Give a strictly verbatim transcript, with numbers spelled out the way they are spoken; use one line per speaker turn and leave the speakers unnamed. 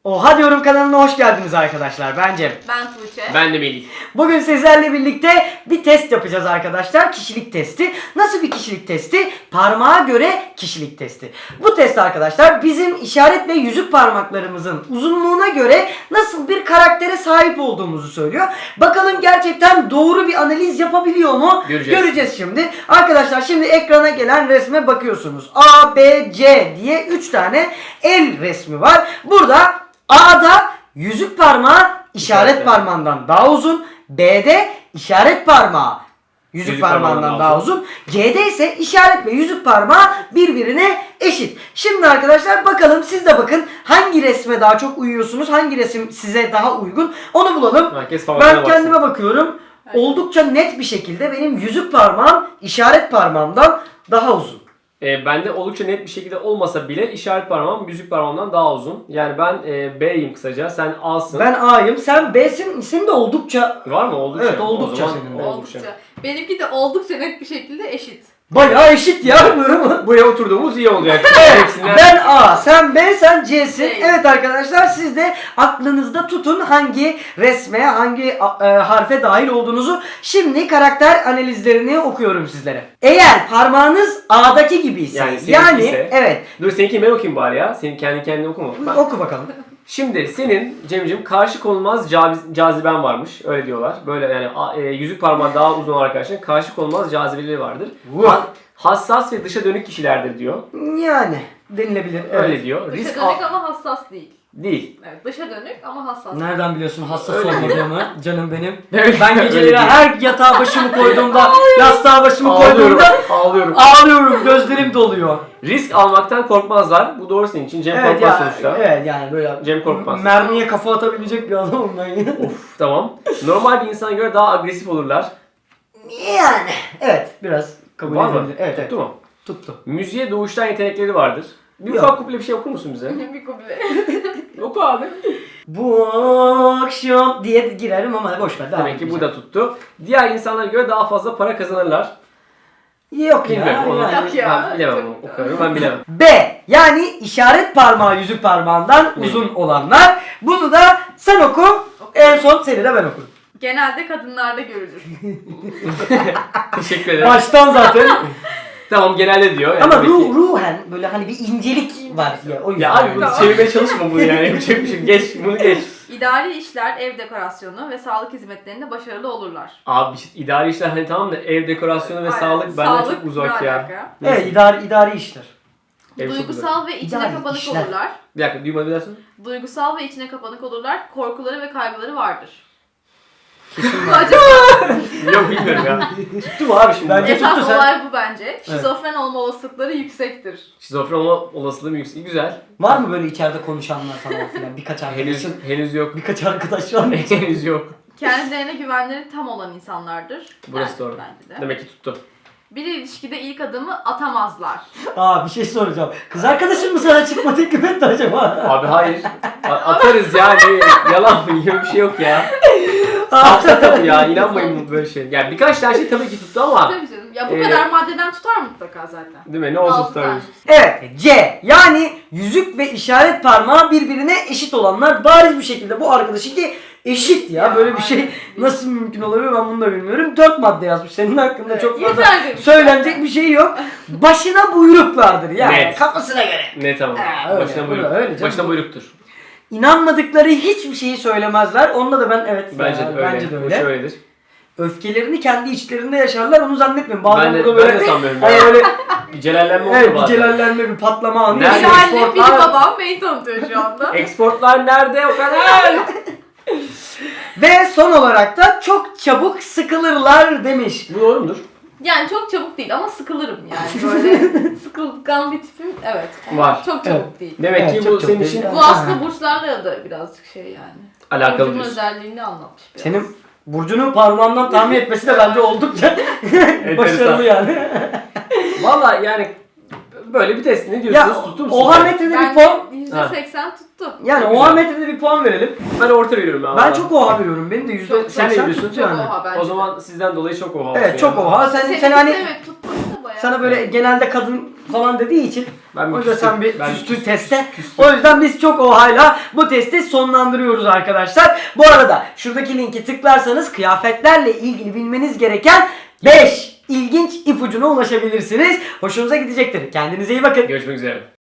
Oha Diyorum kanalına hoş geldiniz arkadaşlar. Ben Cem.
Ben Tuğçe.
Ben de Melih.
Bugün sizlerle birlikte bir test yapacağız arkadaşlar. Kişilik testi. Nasıl bir kişilik testi? Parmağa göre kişilik testi. Bu test arkadaşlar bizim işaret ve yüzük parmaklarımızın uzunluğuna göre nasıl bir karaktere sahip olduğumuzu söylüyor. Bakalım gerçekten doğru bir analiz yapabiliyor mu?
Göreceğiz.
Göreceğiz şimdi. Arkadaşlar şimdi ekrana gelen resme bakıyorsunuz. A, B, C diye üç tane el resmi var. Burada A'da yüzük parmağı işaret
İşaret
parmağından daha uzun. B'de işaret parmağı yüzük,
Yüzük
parmağından
parmağından
daha
daha
uzun. C'de ise işaret ve yüzük parmağı birbirine eşit. Şimdi arkadaşlar bakalım siz de bakın hangi resme daha çok uyuyorsunuz? Hangi resim size daha uygun? Onu bulalım.
Herkes parmağına
Ben
baksın.
kendime bakıyorum. Oldukça net bir şekilde benim yüzük parmağım işaret parmağımdan daha uzun.
E, bende oldukça net bir şekilde olmasa bile işaret parmağım yüzük parmağımdan daha uzun. Yani ben e, B'yim kısaca, sen A'sın.
Ben A'yım, sen B'sin. Senin de oldukça
Var mı? Oldukça.
Evet, oldukça
O zaman
senin de.
oldukça.
Oldukça. Benimki de oldukça net bir şekilde eşit.
bayağı eşit ya.
Buraya oturduğumuz iyi olacak. Hepsinden...
Ben A, sen B, sen C'sin.
C.
Evet arkadaşlar siz de aklınızda tutun hangi resme, hangi e, harfe dahil olduğunuzu. Şimdi karakter analizlerini okuyorum sizlere. Eğer parmağınız A'daki gibi ise,
Yani seninki
yani
ise-
evet,
Dur seninkini ben okuyayım bari ya. Senin kendi kendine okuma. Ben...
oku bakalım.
Şimdi senin Cem'cim karşı konulmaz cazi- caziben varmış. Öyle diyorlar. Böyle yani a- e, yüzük parmağı daha uzun olan arkadaşların karşı konulmaz cazibeleri vardır.
Wow.
Ha- hassas ve dışa dönük kişilerdir diyor.
Yani denilebilir. Evet.
Öyle diyor.
Dışa
Risk
dönük
al-
ama hassas değil.
değil.
Evet, dışa dönük ama hassas.
Nereden biliyorsun hassas
Öyle.
olmadığımı canım benim.
Evet,
Ben
öyle
geceleri
diyor.
her yatağa başımı koyduğumda, yastığa başımı
Ağlıyorum.
koyduğumda
Ağlıyorum.
ağlıyorum, gözlerim doluyor.
Risk almaktan korkmazlar. Bu doğru senin için. Cem
Evet
korkmaz
ya,
sonuçta.
evet yani böyle
Cem korkmaz.
mermiye kafa atabilecek bir adamım ben ya.
Of tamam. Normal bir insana göre daha agresif olurlar.
Yani evet biraz kabul
Var mı?
edilebilir. Evet, evet.
Tuttu mu?
Tuttu.
Müziğe doğuştan yetenekleri vardır. Bir
Yok.
ufak kuple bir şey okur musun bize?
bir kuble.
Oku abi.
Bu akşam diye girerim ama boş ver. devam
Demek ki bu
edeceğim.
da tuttu. Diğer insanlara göre daha fazla para kazanırlar.
Yok ya.
Bilmiyorum onu.
yani.
Yok ya.
Ben bilemem
Çok
onu. O
güzel.
kadarını ben bilemem.
B yani işaret parmağı yüzük parmağından
Ne?
uzun olanlar. Bunu da sen oku. En son seni de ben okurum.
Genelde kadınlarda görülür.
Teşekkür ederim.
Baştan zaten.
Tamam genelde diyor. Yani
Ama
demek
ruh,
ki-
ruhen böyle hani bir incelik var ya. O yüzden.
Ya abi bunu
Tamam.
çevirmeye çalışma bunu yani. Yapacak bir şey. Geç bunu geç.
İdari işler, ev dekorasyonu ve sağlık hizmetlerinde başarılı olurlar.
Abi işte idari işler hani tamam da ev dekorasyonu ve
Aynen.
sağlık benden
Sağlık
çok uzak
ne
ya.
alaka?
Evet idari, idari işler.
Ev çok uzak.
Duygusal ve içine
İdari
kapanık
işler.
olurlar.
Bir dakika duymadı dersin.
Duygusal ve içine kapanık olurlar. Korkuları ve kaygıları vardır.
Kesin var.
Acaba
Yok bilmiyorum ya. Tuttu mu abi şimdi?
Bence-
esas
tuttu sen.
olay bu bence. Şizofren olma olasılıkları yüksektir.
Şizofren olma olasılığı mı yüksek? Güzel.
Var mı böyle içeride konuşanlar falan filan? Birkaç
Henüz,
arkadaşın.
henüz yok.
Birkaç arkadaş var mı?
henüz yok.
Kendilerine güvenleri tam olan insanlardır.
Burası
Yani
doğru.
Bence de.
Demek ki tuttu.
Bir ilişkide ilk adımı atamazlar.
Aa bir şey soracağım. Kız arkadaşın mı sana çıkma teklif etti acaba?
Abi hayır. A- atarız yani. Yalan mı? Yok bir şey yok ya. Sapsa tabii ya. İnanmayın bu böyle şey. Yani birkaç tane şey tabii ki tuttu ama.
Tabii canım. Ya bu
Ee,
kadar maddeden tutar mutlaka zaten.
Değil mi? Ne olsun
Altı tane.
tutarız.
Evet C yani yüzük ve işaret parmağı birbirine eşit olanlar bariz bir şekilde bu arkadaşınki eşit ya.
Ya,
Böyle bir şey
aynen.
nasıl mümkün olabilir ben bunu da bilmiyorum. Dört madde yazmış. Senin hakkında
Evet,
çok fazla
yeter demiş
söylenecek
zaten.
bir şey yok. Başına buyruklardır yani
Net.
kafasına göre.
Ne tamam.
Ha, öyle,
Başına
öyle,
buyruk.
öyle canım.
Başına buyruktur.
İnanmadıkları hiçbir şeyi söylemezler. Onda da ben evet
Bence
ya,
de öyle.
bence de
Bu
öyle.
şöyledir.
Öfkelerini kendi içlerinde yaşarlar onu zannetmiyorum. Bazen
Ben de,
burada böyle
ben de sanmıyorum.
hani
ya.
öyle
Bir celallenme oluyor
evet, bir
bazen.
celallenme bir patlama anı.
Nerede?
Biri
yaşıyor.
annem, biri
Exportlar-
babam beni tanıtıyor şu anda.
Exportlar nerede o kadar?
Ve son olarak da çok çabuk sıkılırlar demiş.
Bu doğru mudur?
Yani çok çabuk değil ama sıkılırım yani böyle sıkılgan bir tipim evet. Ama
Var.
Çok çabuk
Evet.
değil.
Demek
Evet,
ki
çok
bu
çok
senin
değil.
için
Evet.
Bu aslında burçlarla da birazcık şey yani.
alakalı
Burcun
diyorsun.
özelliğini anlatmış biraz.
Senin burcunu parmağından tahmin etmesi de bence oldukça başarılı yani.
Valla yani böyle bir test. Ne
Ya
diyorsunuz? Tuttu mu
oha
sizce?
metrede bir
Ben
puan.
yüzde seksen tuttu.
Yani
Çok
oha
güzel.
metrede bir puan verelim.
Ben orta veriyorum ya.
Ben çok oha veriyorum. Benim de yüzde
Çok-
Sen ne
seksen
diyorsun?
tuttu
Çok
yani.
oha bence.
O zaman sizden dolayı çok oha.
Evet çok
olsun ya.
oha. Sen,
Sen,
sen hani
evet tutmadı da bayağı.
sana böyle genelde kadın falan dediği için
Ben
o
bir
yüzden
küstüm.
sen bir
Ben
küstün
küstüm.
teste.
Küstüm.
O yüzden biz çok ohayla bu testi sonlandırıyoruz arkadaşlar. Bu arada şuradaki linki tıklarsanız kıyafetlerle ilgili bilmeniz gereken beş ilginç ipucuna ulaşabilirsiniz. Hoşunuza gidecektir. Kendinize iyi bakın.
Görüşmek üzere.